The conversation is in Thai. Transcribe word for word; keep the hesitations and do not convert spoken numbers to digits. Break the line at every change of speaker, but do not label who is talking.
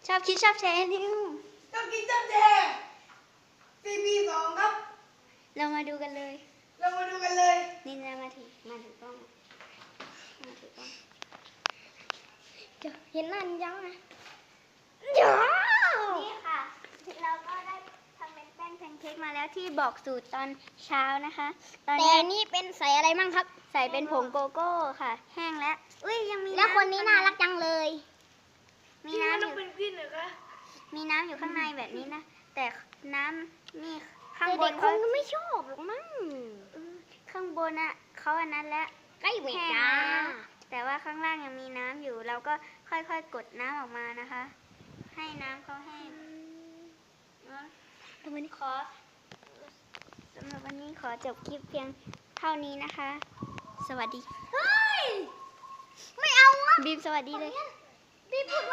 ชอบคิดชอบแชร์นิว
ชอบกินชอบแชร์ซีพีสองครับ
เรามาดูกันเลย
เรามาดูกันเลย
นี่นะมาถือมาถือกล้องมาถือกล้องเดี๋ยวเห็นหน้านินยังไงเดี๋ยวนี่ค่ะเราก็ได้ทำเป็นแป้งแพนเค้กมาแล้วที่บอกสูตรตอนเช้านะคะตอน
แต่
นี้
นี่เป็นใส่อะไรมั่งครับ
ใส่เป็นผงโกโก้ค่ะ แห้งแล้วอุ้ยยังมี
แล้วคนนี้น่ารัก
ำ
จังเลย
มี
พี่มัน
น้ำอ
ต้อง
ยู่
เป็นพี่เหรอคะ
มีน้ำอยู่ข้างในแบบนี้นะแต่น้ำนี่ข้าง
แต่
บ
เด็
น
กค
เขา
งไม่ชอบหรอกมั้ง
ข้างบนอ่ะเขาอันนั้นแล้ว
ใกล้เว
แห้ง
จ้า
แล้วแต่ว่าข้างล่างยังมีน้ำอยู่ เราก็ค่อยๆกดน้ำออกมานะคะ ให้น้ำเขาแห้งสำหรับวันนี้ขอสำหรับวันนี้ขอจบคลิปเพียงเท่านี้นะคะ สวัสดี
เฮ้ย ไม่เอาอ่ะ
บีมสวัสดีเลย
พี่พูดว่า